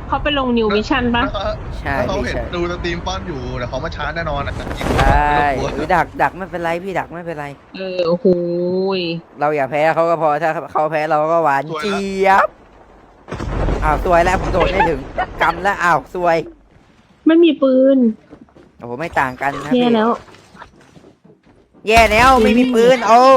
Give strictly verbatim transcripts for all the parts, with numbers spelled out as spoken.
เขาไปลงนิวมิชั่นปะใช่เขาเห็นพี่ใช่ดูสตรีมป้อนอยู่เดี๋ยวเขามาชาร์จแน่นอนอ่ะใช่ดักดักไม่เป็นไรพี่ดักไม่เป็นไรเออโอ้โหเราอย่าแพ้เขาก็พอถ้าเขาแพ้เราก็หวานเจี๊ยบอ้าวซวยแล้วผมโดดไม่ถึงกำแล้วอ้าวซวยไม่มีปืนโอ้โหไม่ต่างกันนะแย่พี่แล้วแย่แล้วไม่มีปืนโอ้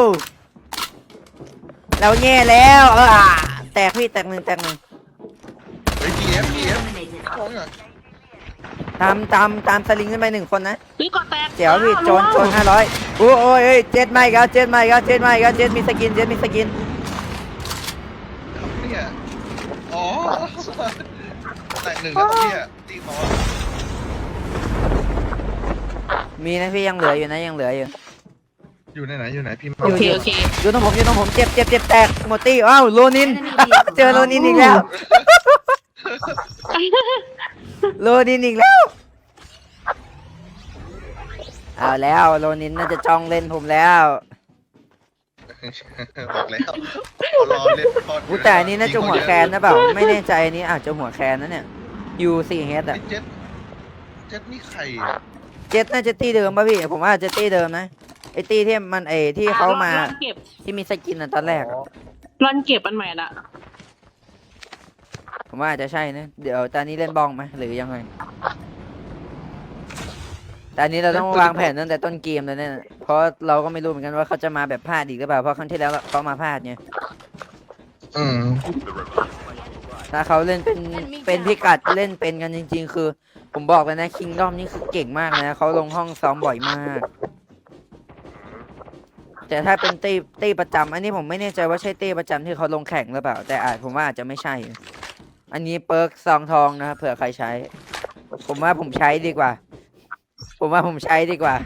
เราแย่แล้วเออแตกพี่แตกหนึ่งแตกหนึ่งเฮ้ย พี เอฟ พี เอฟ ของอ่ะตามตามตามสลิงขึ้นไปหนึ่งคนนะพี่ก่อแตกเจ๋วพี่โจนโจนห้าร้อยโอ้โอ้ยเจ็ดไม่ครับเจ็ดไม่ครับเจ็ดไม่ครับเจ็ดมีสกินเจ็ดมีสกินเนี่ยอ๋อแต่หนึ่งครับเนี่ยตีมอมีนะพี่ยังเหลืออยู่นะยังเหลืออยู่อยู่ในไหนอยู่ไหนพี่มาโอเคโอเคอยู่ตรงผมอยู่ตรงผมเจ็บเจ็บเจ็บแตกหมดตี้อ้าวโลนิน เจอโลนินอีกแล้วโลนินอีกแล้วเอาแล้วโลนินน่าจะจ้องเล่นผมแล้วบอกแล้วรอเล่นคอนอู้แต่อันนี้น่าจะหัวแคนนะเปล่าไม่แน่ใจอันนี้อาจจะหัวแคนนะเนี่ยยูซีเฮดอะเจ็ดเจ็ดนี่ใครเจ็ดน่าจะตี้เดิมป่ะพี่ผมว่าจะตี้เดิมนะไอตี้ที่มันไอที่เขามารันเก็บที่มีสกินอะตอนแรกอะรันเก็บอันใหม่ละผมว่าอาจจะใช่นะเดี๋ยวตอนนี้เล่นบองไหมหรือยังไงแต่อันนี้เราต้องวางแผนตั้งแต่ต้นเกมเลยเนี่ยเพราะเราก็ไม่รู้เหมือนกันว่าเขาจะมาแบบพลาดอีกหรือเปล่าเพราะครั้งที่แล้วเขามาพลาดไงอืมถ้าเขาเล่นเป็นเป็นพิกัดเล่นเป็นกันจริง ๆ คือ ผมบอกเลยนะคิงดอมนี่คือเก่งมากนะเขาลงห้องซ้อมบ่อยมาก แต่ถ้าเป็นตีตีประจำอันนี้ผมไม่แน่ใจว่าใช่ตีประจำที่เขาลงแข่งหรือเปล่า แต่อาจผมว่าอาจจะไม่ใช่ อันนี้เปิร์กซองทองนะครับเผื่อใครใช้ ผมว่าผมใช้ดีกว่า ผมว่าผมใช้ดีกว่า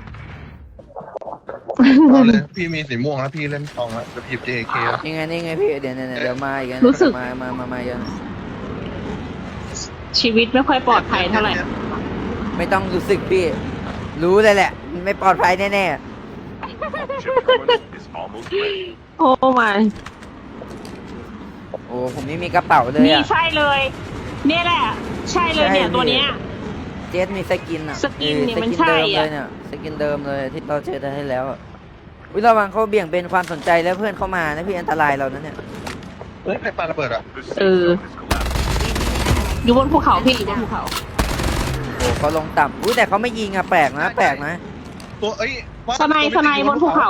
เอาเลยพี่มีสีม่วงแล้วพี่เล่นทองแล้วจะพิบ เจ เค แล้วยังไงนี่ไงพี่เดี๋ยวเดี๋ยวเดี๋ยวมาอีกนะมามามามาเยอะชีวิตไม่ค่อยปลอดภัยเท่าไหร่ไม่ต้องรู้สึกพี่ รู้เลยแหละมันไม่ปลอดภัยแน่ๆโอ้มาโอ้ผมไม่มีกระเป๋าเลยนี่อ่ะใช่เลย เนี่ยแหละ ใช่เลยเนี่ยใช่ตัวเนี้ยเจสมีสกินอ่ะสกินเนี่ยออมันสใช่กิเดิมอะเลยเนี่ยสกินเดิมเลยที่เราเจอได้แล้วอะวิระวังเขาเบี่ยงเป็นความสนใจแล้วเพื่อนเข้ามานะพี่อันตรายเรานะเนี่ยเฮ้ยใครปาระเบิดอ่ะเออ อยู่บนภูเขาพี่อยู่บนภูเขาโอ้เขาลงต่ำอุ้ยแต่เขาไม่ยิงอ่ะแปลกนะแปลกนะตัวเอ้ยว่าสไนด์สไนด์บนภูเขา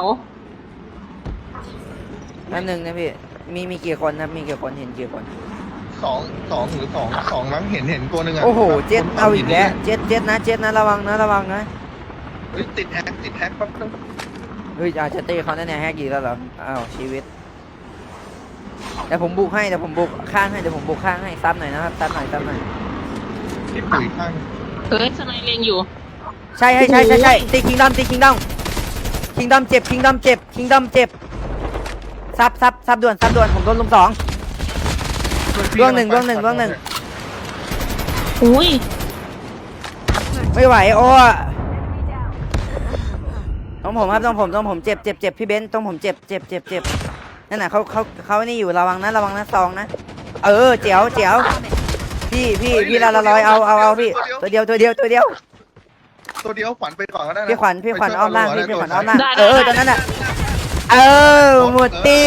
นั่นหนึ่งนะพี่มีมีกี่คนนะมีกี่คนเห็นกี่คนสองสองหรือสองสองมั้งเห็นเห็นตัวหนึ่งอ่ะโอ้โหเจ็ดเอาอีกแล้วเจ็ดเจ็ดนะเจ็ดนะระวังนะระวังนะเฮ้ยติดแฮกติดแฮกแป๊บนึงเฮ้ยอาจจะเต้เขาแน่ๆแฮกกี่แล้วเหรออ้าวชีวิตเดี๋ยวผมบุกให้เดี๋ยวผมบุกข้างให้เดี๋ยวผมบุกข้างให้ซ้ำหน่อยนะครับซ้ำหน่อยซ้ำหน่อยที่ปุ๋ยข้างเอ้ยสไนด์เลงอยู่ใช่ใช่ใช่ใช่ใช่ตีคิงดอมตีคิงดอมคิงดอมเจ็บคิงดอมเจ็บคิงดอมเจ็บซับซับซับด่วนซับด่วนผมโดนลุมสองร่วงหนึ่งร่วงหนึ่งร่วงหนึ่งอุ้ยไม่ไหวโอ้ต้องผมครับต้องผมต้องผมเจ็บเจ็บเจ็บพี่เบนซ์ต้องผมเจ็บเจ็บเจ็บเจ็บนั่นน่ะเขาเขาเขานี่อยู่ระวังนะระวังนะซองนะเออเจ๋วเจ๋วพี่พี่พี่ละละร้อยเอาเอาเอาพี่ตัวเดียวตัวเดียวตัวเดียวตัวเดียวขวัญไปก่อนก็ได้นะพี่ขวัญพี่ขวัญอ้อมล่างพี่พี่ขวัญอ้อมล่างได้เออตอนนั้นน่ะเออหมดตี้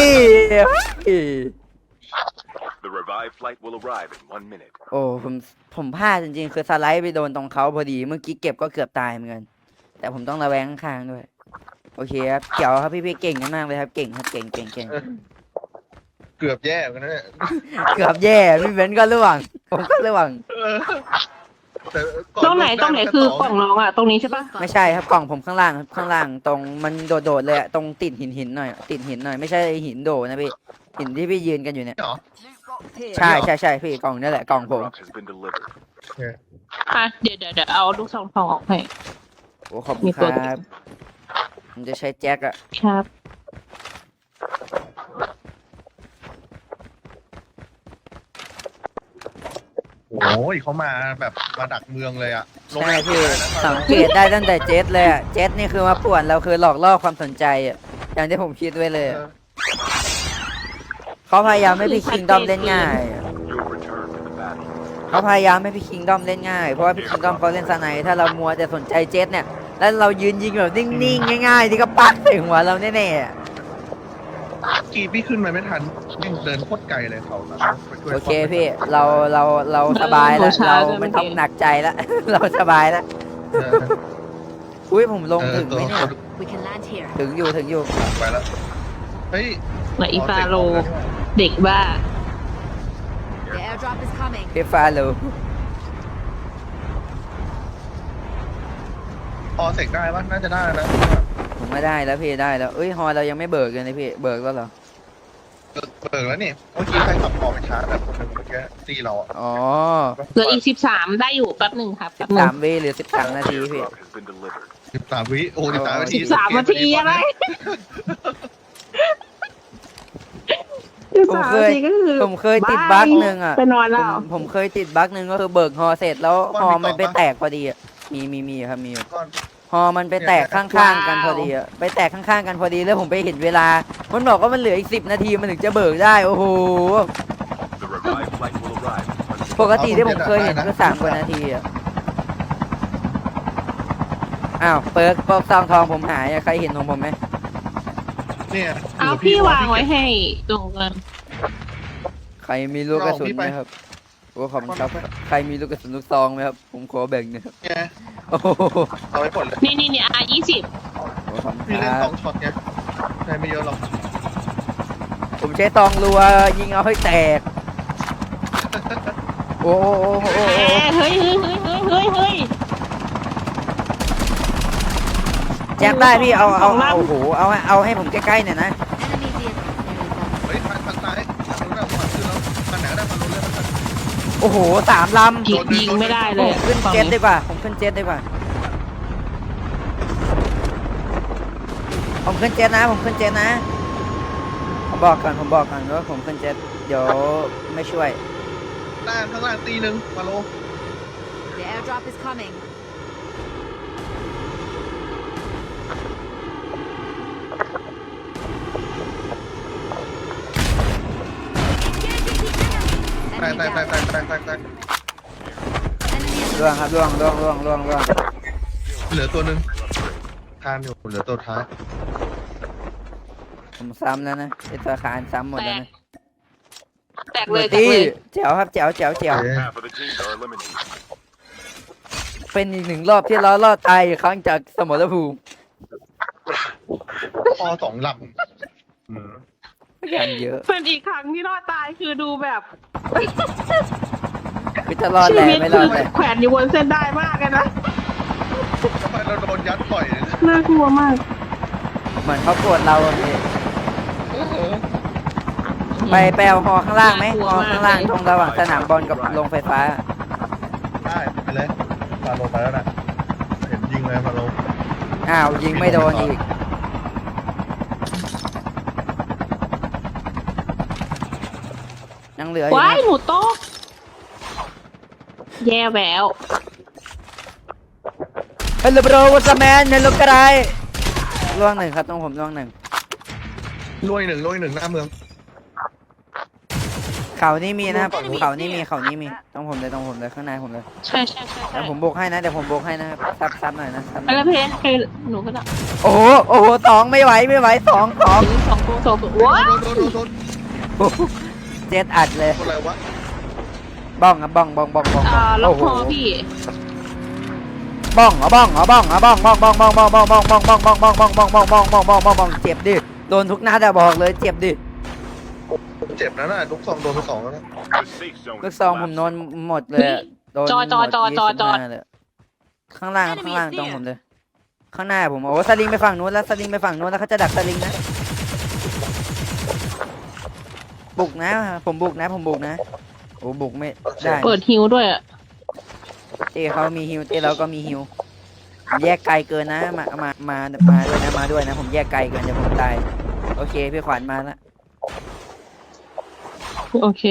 The revived flight will arrive in one minute. โอ้ผมผมพลาดจริงๆคือสไลด์ไปโดนตรงเขาพอดีเมื่อกี้เก็บก็เกือบตายเหมือนกันแต่ผมต้องระแวงข้างๆด้วยโอเคครับเขียวครับพี่พี่เก่งกันมากเลยครับเก่งครับเก่งเก่งเก่งเกือบแย่กันนะเนี่ยเกือบแย่พี่เบนซ์ก็ร่วงผมก็ร่วงแต่ก่อตรงไหนตรงไหนคือกล่องน้องอ่ะ ตรงนี้ใช่ปะไม่ใช่ครับกล่องผมข้างล่างครับข้างล่างตรงมันโดดๆเลยอะตรงติดหินหินหน่อยติดหินหน่อยไม่ใช่หินโดนะพี่หินที่พี่ยืนกันอยู่เนี่ยเหรอใช่ใช่ใช่พี่กล่องนี่แหละกล่องผม Drop has been delivered. อ่ะเดี๋ยวเดี๋ยวเดี๋ยวเอาลูกซองทองออกให้โอ้ขอบคุณครับผมจะใช้แจ็คอะครับโอ้ยเขามาแบบมาดักเมืองเลยอ่ะลงใช่แรงพี่นะสังเกตได้ตั้งแต่เจ็ตเลยอะเจ็ตนี่คือมาป่วนเราคือหลอกล่อความสนใจอะอย่างที่ผมคิดไว้เลยเออะอเขาพยายามให้พี่คิงดอมเล่นง่ายอะ You'll return to the battle. เขาพยายามให้พี่คิงดอมเล่นง่ายเพราะว่าพี่คิงดอมเขาเล่นสไนถ้าเรามัวแต่สนใจเจ็ตเนี่ยแล้วเรายืนยิงแบบนิ่งๆง่ายๆที่ก็ปัดใส่หัวเราแน่ๆอะกีพี่ขึ้นมาไม่ทันวิ่งเดินโคตรไกลเลยเขานะไปช่วยโอเคพี่เราเราเราสบายแล้วเราไม่ต้องหนักใจแล้ว เราสบายแล้วเอออุ้ยผมลงเออถึงไหมเนี่ย We can land here. ถึงอยู่ถึงอยู่ไปแล้วเฮ้ยเหมือนอีฟาโรเด็กบ้า The airdrop is coming. พี่ฟ้ารู้พอเสกได้ปะน่าจะได้นะผมไม่ได้แล้วพี่ได้แล้วเอ้ยฮอเรายังไม่เบิกเลยนะพี่เบิกแล้วเหรอเบิกเบิกแล้วนี่เมื่อกี้ใครขับพอไปชาร์จแบบคนหนึงเมื่อกี้ตีเราอ่ะอ๋อเหลืออีกสิบสามได้อยู่แป๊บหนึ่งครับสิแป๊บบหนึ่สาง มวิหรือสิบสามนาทีพี่ Airdrop has been delivered. สิบสามวิโอ้สิบสามนาทีสิบสามนาทีอะไรผมเคยผมเคยติดบั๊กหนึ่งอ่ะไปนอนผแล้วมผมเคยติดบั๊กหนึ่งก็คือเบิกฮอเสร็จแล้วฮอมันไปแตกพอดีอ่ะมีมีมีครับมีอยู่ก่อนฮอมันไปแตกข้างๆกันพอดีอ่ะไปแตกข้างๆกันพอดีแล้วผมไปเห็นเวลา มันบอกว่ามันเหลืออีกสิบนาทีมันถึงจะเบิกได้โอ้โห The revived flight will arrive in one minute. ปกติที่ผมเคยเห็นก็สามกว่านาทีอ่ะอ้าวเปิร์กปอกซองทองผมหายอะใครเห็นของผมไหมเนี่ยเอาพี่วางไว้ให้ตรงกันใครมีลูกกระสุนไหมครับโอ้ขอบคุณครับใครมีลูกกระสุนลูกซองไหมครับผมขอแบ่งหนะครับเนี่ยโอ้โหเอาไว้หมดเลยนี่นี่นี่อายี่สิบขอบคุณพี่คเล่นรัสอบ งช็อตไงใช้ไม่เยอะหรอกผมใช้ตองรัวยิงเอาให้แตกโอ้โหโอ้โหโอ้โหเฮ้ยเฮ้ยเฮ้ยเฮ้ยเฮ้ยเฮ้ยแจ็คได้พี่เอาเอาของลั่นเอาโอ้โหเอาให้เอาให้ผมใกล้ๆหน่อยนะ Enemy vehicle. There we go. เฮ้ยทางทางซ้ายทางนู้นน่ะฝั่งขึ้นแล้วทางไหนก็ได้ทางนู้นเลยมันโอ้โหสามลำยิงยิงไม่ได้เลผยมขึ้นเจ็ตดีกว่า ผมขึ้นเจ็ตดีกว่า ผมขึ้นเจ็ตนะ ผมขึ้นเจ็ตนะ ผมบอกก่อน ผมบอกก่อนว่าผมขึ้นเจ็ตเดี๋ยวไม่ช่วยล่างข้างล่างตีหนึ่งมาโล The airdrop is coming. แตกแตกแตกแตกแตกแตกแตก Enemy is ล่วงครับล่วงล่วงล่วงล่วงล่วงเหลือตัวหนึ่งทานอยู่เหลือตัวท้ายผมซ้ำแล้วนะไอตัวคานซ้ำหมดแตแล้วกนะแตกเลยแตกตีเลยแจ๋วครับแจ๋วแจ๋วแจ๋วเอ๊ะ Half of the teams are eliminated. เป็นอีกหนึ่งรอบที่เรารอดตายอีกครั้งจากสมรภูมิพอสองลอย่างเยอะเป็นอีกครั้งที่รอดตายคือดูแบบคือจะรอดชีแหล่วิตไม่รคืออดเลยแขวนอยู่บนเส้นได้มากเลยนะำทำไมเราโดนยัดปล่อยเลยน่ากลัวมากเหมือนเขาโกรธเราอะพี่ไปไปเอาฮอข้างล่างไหมฮอข้างล่างตรงระหว่างสนามบอลกับโรงไฟฟ้าได้ไปเลยฟาโลไปแล้วนะเห็นยิงเลยฟาโลอ้าวยิงไม่โดนอีก ยังเหลืออยู่ว้ายนะหนูโต๊ะแย่แหววเฮลโลโบรวัสแมนเฮลโลกระไรล่วงหนึ่งครับต้องผมล่วงหนึ่งลุยหนึ่งลุยหนึ่งหน้าเมืองเขานี่มีนะครับเขานี่มีเขานี่มีต้องผมเลยต้องผมเลยข้างในผมเลยใช่ใช่ใช่ใช่เดี๋ยวผมโบกให้นะเดี๋ยวผมโบกให้นะครับซับซับหน่อยนะซับหไปน่อยแล้วเพนไปหนูก็ได้โอ้โหโอ้โหสองไม่ไหวไม่ไหวสองสองสองตัวสองตัวว้าโดนโดนโดนโดนโอ้โหเจ็ดอัดเลยคนอะไรวะบ้องครับบ้องบ้องบ้องบ้องอ่าล็อกโอ้โหคอพี่บ้องเหรอบ้องเหรอบ้องเหรอบ้องบ้องบ้องบ้องบ้องบ้องบ้องบ้องบ้องบ้องบ้องบ้องบ้องบ้องบ้องบ้องบ้องบ้องบ้องเจ็บดิโดนทุกนัดอะบอกเลยเจ็บดิเจ็บนะน่ะลูกซองโดนไปสองแล้วนะ The safe zone ลู is กซองผม collapsing. โดนหมดเลยอะโดนจอจอจอจอจอหมดยี่สิบห้าเลยข้างล่างครับข้างล่างตรงผมเลย ข้างหน้าผมโอ้สลิงไปฝั่งนู้นแล้วสลิงไปฝั่งนู้นแล้วเขาจะดักสลิงนะบุกนะ ผมบุกนะ ผมบุกนะโอ้บุกไม่ได้เปิดฮิวด้วยอะเต้เขามีฮิวเต้เราก็มีฮิวผมแยกไกลเกินนะมามามามาด้วยนะมาด้วยนะ ผมแยกไกลเกินเดี๋ยวผมตายโอเคพี่ขวัญมาแล้วโอเค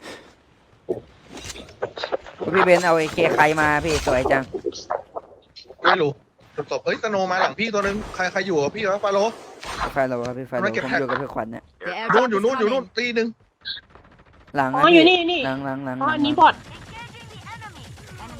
พี่เบนเอาไอเคใครมาพี่สวยจังไม่รู้ตบเฮ้ยสโนมาหลังพี่ตัวนึงใครใครอยู่กับพี่วะฟาโลใครเราครับพี่ไฟเราผมอยู่กับพี่ขวัญเนี่ย The นู่น airdrop อยู่ is นู่นอยู่นู่น coming. ตีหนึ่งหลังอ๋นะออยู่พี่นี่นี่หลังหลังหลังอ๋อหลัอังนนี้บอท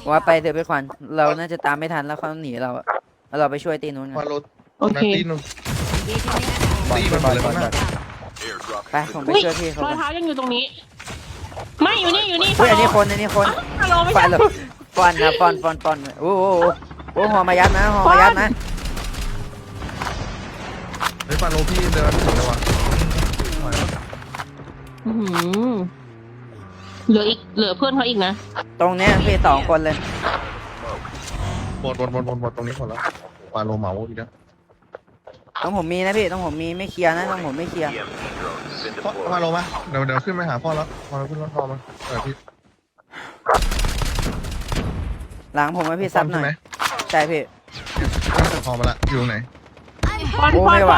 ว่าไปเถอะพี่ขวัญเราน่าจะตามไม่ทันแล้วเขาหนีเราอะแล้วเราไปช่วยตีนู้นกันฟาโลโอเคตีน Engaging the enemy. บอลตีบอมันลหมบอดลเลยบอล Airdrop ไป has ผม been ไปอุ้ยช่วยพี่เขารอยก่อนเท้ายังอยู่ตรงนี้ ไม่อยู่นี่อยู่นี่อุ้ยอันนี้คนอันนี้คนฮัลโหลไม่ฟาใช่โลฟอนนะฟอนฟอนฟอนโอ้โหโอ้โหหัวมายัดนะหัวมายัดนะเฮ้ยฟาโลพี่เดินถึงแล้ววะอื้อหือเหลืออีกเหลือเพื่อนเขาอีกนะตรงเนี้ยพี่สองคนเลยหมดหมดหมดหมดหมดตรงนี้หมดแล้วฟาโลเหมาอีกแล้วต้องผมมีนะพี่ต้องผมมีไม่เคลียร์นะต้องผมไม่เคลียร์ E M P drone has been พ่อ deployed. ฟาโลมาเดี๋ยวเดี๋ยวขึ้นไปหาพ่อแล้วพอเราขึ้นรถพอมาเออพี่หลังผมให้พี่ซับหน่อยใช่ไหมใช่พี่ขึ้นพอมาละอยู่ตรงไหนปอนโอ้ปอนไม่ปไหวอน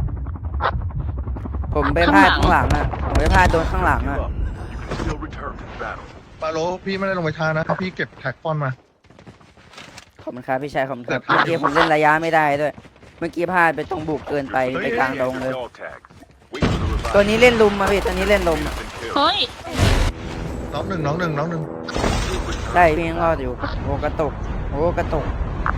ผมไปพลาดข้างหลังอ่ะผมไปพลาดโดนข้างหลัง Give อ่ะ up. You can still return to the battle. ฟาโลพี่ไม่ได้ลงไปช้านะเพราะพี่เก็บแท็กฟอนมาขอบคุณครับพี่ชายขอบคุณครับแต่เมื่อกี้ผมเล่นระยะไม่ได้ด้วย เมื่อกี้พลาดไปตรงบุกเกินไปไปกลางดงเลย Dog tags. Wait for the revive. ตัวนี้เล่นลุมมาพี่ตัวนี้เล่นลุม Has been killed. เฮ้ยน้องหนึ่งน้องหนึ่งน้องหนึ่งได้พี่ยังรอดอยู่โอ้กระตุกโอ้กระตุก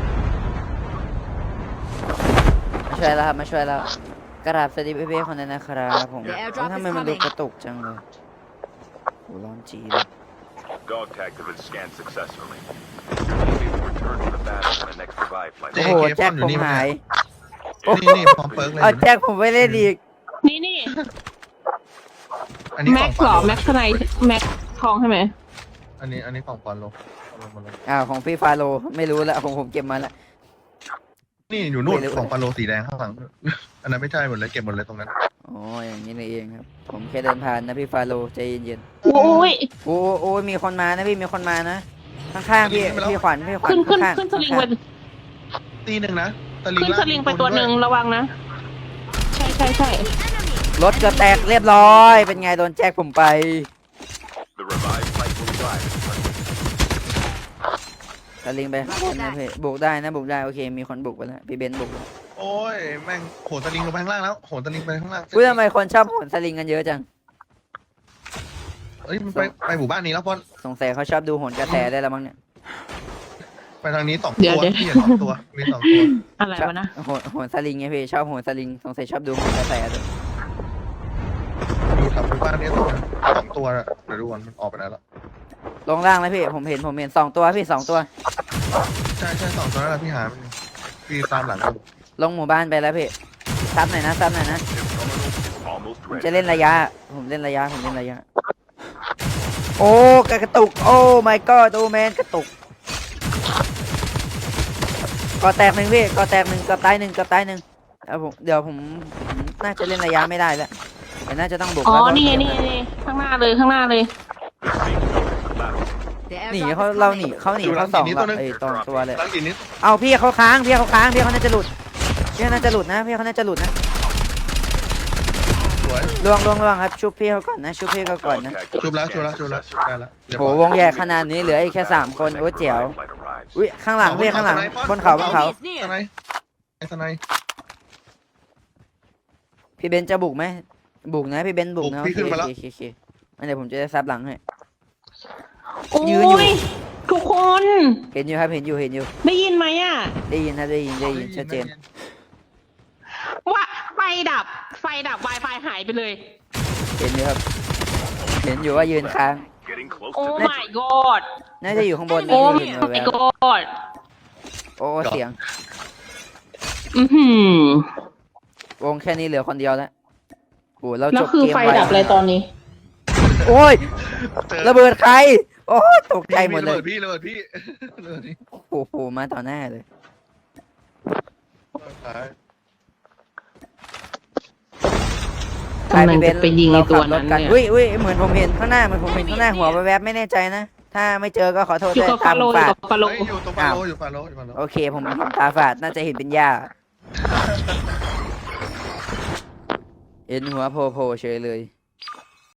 มาช่วยแล้วครับมาช่วยแล้วกราบสวัสดีเบ้ๆคนนั้นนะครับผมโอ้ทำไมมันดูกระตุกจังเลยโอ้ร้อนจีเลย Dog tags have been scanned successfully. Your enemy will return to the battle when the next revive flight. โอ้โหแจ็คผมหายนี่นี่พร้อมเปิร์กเลยเอาแจ็คผมไปเล่นอีกนี่นี่อันนี้แม็ขกองซ์เหรอฟาโลแม็กซ์ไนแม็กซ์ทองใช่ไหมอันนี้อันนี้ของฟาโลฟาโลฟาโลอ้าวของพี่ฟาโลไม่รู้แล้วของผมเก็บมาแล้วนี่อยู่นู่นไม่รู้ของฟาโลสีแดงข้างหลัง อันนั้นไม่ใช่หมดเลยเก็บหมดเลยตรงนั้นอ๋ออย่างนี้นี่เองครับ ผมแค่เดินผ่านนะพี่ฟาโลใจเย็นโอ้ยๆโอ้โอ้มีคนมานะพี่มีคนมานะข้างๆพี่พี่ขวัญพี่ขวัญขึ้นขึ้นข้างๆขึ้นสลิงไปตีหนึ่งนะสลิงขึ้นสลิงไปตัวหนึ่งระวังนะ ใช่ใช่ใช่รถเกือบแตกเรียบร้อย เป็นไงโดนแจ็คผมไป The revived flight will arrive. สลิงไปข้างบนนะพี่บุกได้นะบุกได้โอเคมีคนบุกไปแล้วพี่เบนซ์บุกแล้วโอ้ยแม่งโหนสลิงลงไปข้างล่างแล้วโหนสลิงไปข้างล่างอุ้ยทำไมคนชอบโหนสลิงกันเยอะจังเอ้ยมันไปไปหมู่บ้านนี้แล้วพอนสงสัยเขาชอบดูโหนกระแสได้แล้วมั้งเนี่ยไปทางนี้สองเดี๋ตัยววเดี๋ยวพี่เห็นสองตัวมีสองตัวอะไรชอบวะนะโหนโหนสลิงไงพี่ชอบโหนสลิงสงสัยชอบดูโหนกระแสด้วยอยู่แถวหมู่บ้านนี้ตัวนึงสองตัวอะเดี๋ยวดูก่อนมันออกไปไหนแล้วลงล่างเลยพี่ผมเห็นผมเห็นสองตัวพี่สองตัวใช่ใช่สองตัวนั่นแหละพี่หามันอยู่พี่ตามหลังกันลงหมู่บ้านไปแล้วพี่ซับหน่อยนะซับหน่อยนะ Almost ผม ready. จะเล่นระยะ ผมเล่นระยะ ผมเล่นระยะ โอ้กระตุก โอ้ my god โอ้แมนกระตุกก่อแตกหนึ่งพี่ก่อแตกหนึ่งเกับตายหนึ่งเกับตายหนึ่งแล้วผมเดี๋ยวผมผมน่าจะเล่นระยะไม่ได้แล้วเดี๋ยวน่าจะต้องบุกอ๋อแล้วนี่ไงนี่ไงนี่ข้างหน้าเลยข้างหน้าเลย The safe zone is the battle. The หนี airdrop เขา is เราหนี coming. เขาหนีเขาสองเราไอ้ตองตัวเลยหลังหินนี้เอาพี่เขาค้างพี่เขาค้างพี่เขาน่าจะหลุดพี่เขาน่าจะหลุดนะพี่เขาน่าจะหลุดนะสวยล่วงล่วงล่วงครับชุบพี่เขาก่อนนะชุบพี่เขาก่อน Dog นะ tags ชุบแล้ว have ชุบ been แล้วชุบ scanned แล้ว successfully. ได้แล้วเรียบโหร้อยวงใหญ่ขนาดนี้เหลืออีกแค่สามคนโอ้เจ๋ว Revive flight arrives. อุ้ยข้างหลังพี่ข้างหลังบนเขาบนเขา Enemy is สไน near. ป์ไอ้สไนป์พี่เบนซ์จะบุกไหมบุกนะพี่เบนซ์บุกนะบุกพี่ขึ้นมาแล้วโอเคโอเคโอเคงั้นเดี๋ยวผมจะได้ซับหลังให้โอ้ยืนอยู่ยทุกคนเห็นอยู่ครับเห็นอยู่เห็นอยู่ได้ยินไหมอ่ะได้ยินครับได้ยินได้ยินชัดเจนว่าไฟดับ ไฟดับ Wi-Fi หายไปเลยเห็นอยู่ครับเห็นอยู่ว่ายืนค้าง Getting close โอ้ to นั่น my god น่าจะอยู่ข้างบนนะโอ้พี่เห็นแว my บ god ๆโอ้เสียงอือหือวงแค่นี้เหลือคนเดียวแล้วโอ้เราแล้จวบคือเกมไฟไวดับอะไรตอนนี้โอ้ยเจอระเบิดใครโอ้ยตกใจหมดเลยพี่ระเบิดพี่ระเบิดพี่โอ้โหมาต่อหน้าเลยกำลังจะไปยิงไอ้ตัวนั้นราขับรถกัเนี่ยอุ้ยอุ้ยเหมือนผมเห็นข้างหน้าเหมือนผมเห็นข้างหน้าหัวแวบๆไม่แน่ใจนะ ถ้าไม่เจอก็ขอโทษอยู่ด้วยกับตาฟาม โลฝาอยู่ดกับฟาโลเฮ้ยอยู่ตรงฟาโลอยู่ฟาโลอยู่ฟาโลโอเคผมเห็นตาฝาดน่าจะเห็นเป็นหญ้าเห็นหัวโผล่ๆเฉยเลย